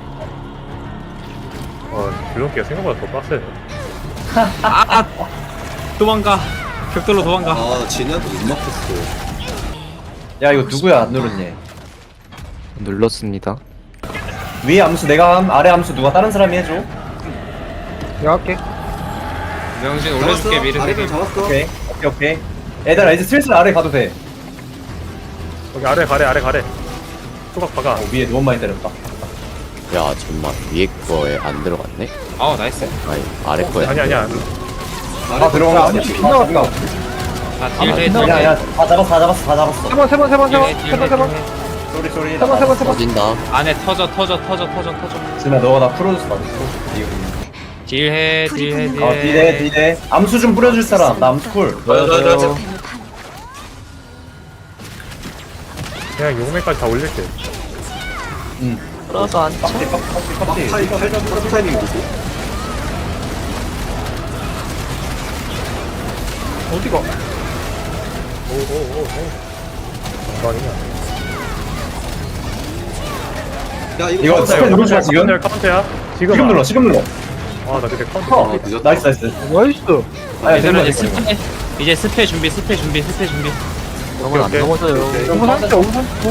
[SPEAKER 2] 어 빌런기가 생각보다 더 빡세네.
[SPEAKER 10] 아 도망가. 격돌로 도망가.
[SPEAKER 9] 아 진이한테 못 막혔어.
[SPEAKER 3] 야 이거 누구야 안 누르니?
[SPEAKER 8] 눌렀습니다.
[SPEAKER 3] 위에 암수 내가 함, 아래 암수 누가 다른 사람이 해줘.
[SPEAKER 6] 내가 할게.
[SPEAKER 10] 명신
[SPEAKER 9] 잡았어.
[SPEAKER 10] 올려줄게 미르
[SPEAKER 9] 아래를
[SPEAKER 10] 세개.
[SPEAKER 9] 잡았어.
[SPEAKER 3] 오케이 오케이 오케이. 얘들아 이제 슬슬 아래 가도 돼.
[SPEAKER 2] 여기 아래 가래 아래 가래. 초각 박아.
[SPEAKER 3] 어, 위에 너무 많이 때렸다.
[SPEAKER 1] 야 정말 위에 거에 안 들어갔네.
[SPEAKER 10] 어 나이스.
[SPEAKER 1] 아니 아래 거에.
[SPEAKER 2] 아니 아니야.
[SPEAKER 3] 아 들어간 거 아니야?
[SPEAKER 6] 빗나갔다.
[SPEAKER 10] 자 딜해 딜해.
[SPEAKER 3] 야야 다 잡았어 다 잡았어 다 잡았어.
[SPEAKER 6] 세 번 세 번 세 번 세 번
[SPEAKER 10] 딜해
[SPEAKER 6] 세 번 세 번
[SPEAKER 10] 딜해.
[SPEAKER 3] 쏘리 쏘리.
[SPEAKER 6] 세 번 세 번 세 번.
[SPEAKER 1] 터진다.
[SPEAKER 10] 안에 터져 터져 터져 터져 터져.
[SPEAKER 3] 진아 너가 나 풀어줬어 나.
[SPEAKER 10] 딜해 딜해 딜해.
[SPEAKER 3] 어 디데 디데. 암수 좀 뿌려줄 사람. 나 암수 쿨.
[SPEAKER 9] 저요 저요 저.
[SPEAKER 4] 뱀을 판
[SPEAKER 2] 그냥 용매까지 다 올릴게.
[SPEAKER 3] 응.
[SPEAKER 8] 풀어서 안
[SPEAKER 3] 빡대 빡대 빡대 빡대.
[SPEAKER 9] 타임 타임 타이밍 보고.
[SPEAKER 6] 어디가?
[SPEAKER 2] 오오오오. 장관이냐.
[SPEAKER 9] 야 이거
[SPEAKER 3] 이거
[SPEAKER 9] 카운터.
[SPEAKER 3] 스펠 누르자 지금.
[SPEAKER 2] 카운터야 카운터야. 지금.
[SPEAKER 3] 지금 눌러 지금 눌러.
[SPEAKER 2] 아나 근데 카운터.
[SPEAKER 3] 어
[SPEAKER 9] 아, 늦었다.
[SPEAKER 3] 나이스 나이스.
[SPEAKER 6] 나이스.
[SPEAKER 3] 아야
[SPEAKER 10] 이제는
[SPEAKER 3] 되는
[SPEAKER 10] 이제
[SPEAKER 3] 거
[SPEAKER 10] 스페 이제 스페 준비 스페 준비 스페 준비.
[SPEAKER 8] 그러면 안
[SPEAKER 2] 오케이.
[SPEAKER 8] 넘어져요.
[SPEAKER 6] 오분 삼십 오분 삼십.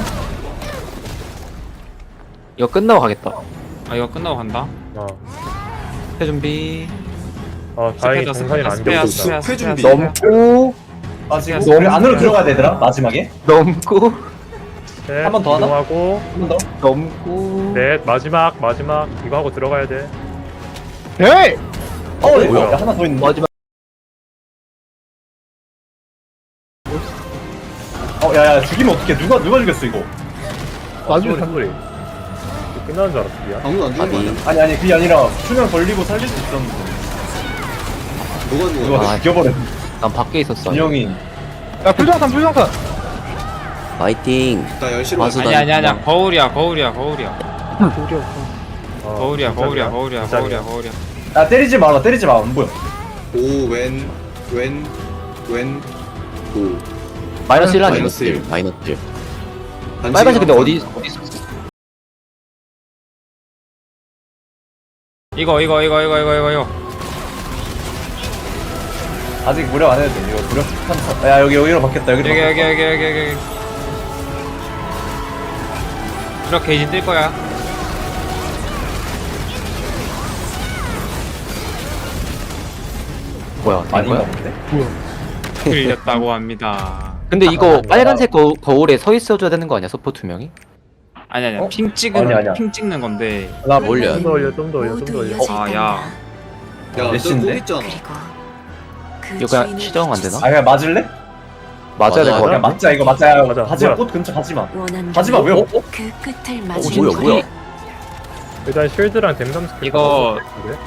[SPEAKER 8] 이거 끝나고 가겠다.
[SPEAKER 10] 아 이거 끝나고 간다.
[SPEAKER 2] 어.
[SPEAKER 10] 스페 준비.
[SPEAKER 2] 아 다행히
[SPEAKER 10] 스페다,
[SPEAKER 2] 동산이 안
[SPEAKER 10] 스페야,
[SPEAKER 2] 되고
[SPEAKER 10] 스페야,
[SPEAKER 2] 있다.
[SPEAKER 9] 숲회 준비.
[SPEAKER 8] 넘고
[SPEAKER 3] 아 지금
[SPEAKER 10] 너무
[SPEAKER 3] 우리 안으로 들어가야 되더라 마지막에.
[SPEAKER 8] 넘고
[SPEAKER 3] 한번더 하나?
[SPEAKER 2] 하고
[SPEAKER 3] 한 번 더.
[SPEAKER 8] 넘고.
[SPEAKER 2] 넷 마지막 마지막 이거 하고 들어가야 돼.
[SPEAKER 6] 에이.
[SPEAKER 3] 어
[SPEAKER 2] 뭐야?
[SPEAKER 3] 뭐야? 하나 더 있는.
[SPEAKER 8] 마지막.
[SPEAKER 3] 어 야야 죽이면 어떡해? 누가 누가 죽였어 이거?
[SPEAKER 6] 나중에
[SPEAKER 2] 소리 소리. 끝나는 줄 알았어 미안.
[SPEAKER 9] 아무도 안 죽은 거 아니야?
[SPEAKER 3] 아니 아니 그게 아니라 수면 걸리고 살릴 수 있었는데
[SPEAKER 9] 누가 죽어?
[SPEAKER 3] 누가
[SPEAKER 8] 아,
[SPEAKER 3] 죽여버렸네.
[SPEAKER 8] 난 밖에 있었어.
[SPEAKER 3] 준영이.
[SPEAKER 6] 야 풀정산 풀정산.
[SPEAKER 1] 파이팅.
[SPEAKER 9] 나 열시로
[SPEAKER 1] 와서
[SPEAKER 9] 갈게.
[SPEAKER 10] 아니 아니 아니야 거울이야 거울이야 거울이야
[SPEAKER 6] 도리 없어.
[SPEAKER 2] 어,
[SPEAKER 10] 거울이야 거울이야
[SPEAKER 2] 진짜야?
[SPEAKER 10] 거울이야
[SPEAKER 2] 진짜야?
[SPEAKER 10] 거울이야 거울이야.
[SPEAKER 3] 야 때리지 마라 때리지 마 안 보여.
[SPEAKER 9] 오웬웬웬웬 있고
[SPEAKER 8] 마이너스 일 아니야?
[SPEAKER 1] 마이너스 일, 마이너스 일.
[SPEAKER 8] 빨간색 근데 어디 어디 있어?
[SPEAKER 10] 이거 이거 이거 이거 이거 이거 이거.
[SPEAKER 3] 아직 무력 안 해도 돼. 이거 무력 한타. 야 여기 여기로 바뀌었다. 여기로
[SPEAKER 10] 여기
[SPEAKER 3] 바뀌었다.
[SPEAKER 10] 여기 여기 여기 여기. 이렇게 게이지 뜰 거야.
[SPEAKER 8] 뭐야? 된
[SPEAKER 3] 아닌가
[SPEAKER 8] 거야?
[SPEAKER 3] 본데?
[SPEAKER 10] 틀렸다고 합니다.
[SPEAKER 8] 근데 이거 빨간색 거, 거울에 서 있어줘야 되는 거 아니야? 서포 두 명이?
[SPEAKER 10] 아니 아니야.
[SPEAKER 3] 어?
[SPEAKER 10] 핑 찍은
[SPEAKER 3] 아니, 아니야.
[SPEAKER 10] 핑 찍는 건데.
[SPEAKER 3] 나
[SPEAKER 1] 올려.
[SPEAKER 2] 좀 더 올려 좀 더 올려 좀 더 올려.
[SPEAKER 10] 아, 야.
[SPEAKER 9] 야,
[SPEAKER 3] 몇인데?
[SPEAKER 9] 너또 있잖아.
[SPEAKER 4] 그리고 그
[SPEAKER 8] 이거 그냥
[SPEAKER 4] 주인을
[SPEAKER 8] 시정 안 되나?
[SPEAKER 3] 아 그냥 맞을래?
[SPEAKER 8] 맞아야 될
[SPEAKER 1] 맞아.
[SPEAKER 8] 거
[SPEAKER 3] 그냥
[SPEAKER 8] 같아.
[SPEAKER 3] 맞자 이거 맞자.
[SPEAKER 2] 맞아.
[SPEAKER 3] 가지마
[SPEAKER 2] 뭐야?
[SPEAKER 3] 꽃 근처 가지마.
[SPEAKER 4] 원한다면
[SPEAKER 3] 가지마 왜? 어?
[SPEAKER 4] 그 끝을
[SPEAKER 1] 어,
[SPEAKER 4] 맞은
[SPEAKER 1] 뭐야, 뭐야?
[SPEAKER 2] 일단 쉴드랑 댐감 스킬.
[SPEAKER 10] 이거-
[SPEAKER 2] 다 넣었을 텐데.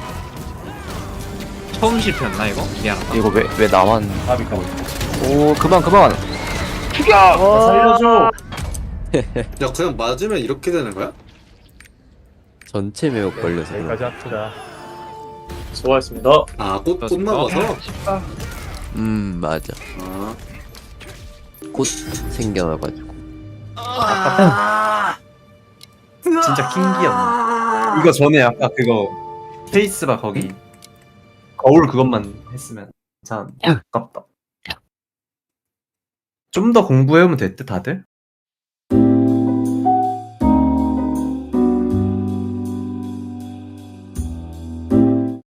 [SPEAKER 10] 처음 실패였나 이거? 미안하다.
[SPEAKER 8] 이거 왜 왜 나만?
[SPEAKER 3] 아비 까고.
[SPEAKER 8] 오 그만 그만.
[SPEAKER 3] 살려줘.
[SPEAKER 9] 야, 그냥 맞으면 이렇게 되는 거야?
[SPEAKER 1] 전체 매혹 걸려서. 그런
[SPEAKER 2] 여기까지 합시다.
[SPEAKER 6] 수고하셨습니다.
[SPEAKER 9] 아, 꽃, 꽃 나와서?
[SPEAKER 1] 음, 맞아.
[SPEAKER 9] 아,
[SPEAKER 1] 꽃 생겨나가지고.
[SPEAKER 3] 진짜 킹기였네. 이거 전에 아까 그거 페이스바 거기 거울 그것만 했으면 참 아깝다. 좀 더 공부해오면 됐대 다들?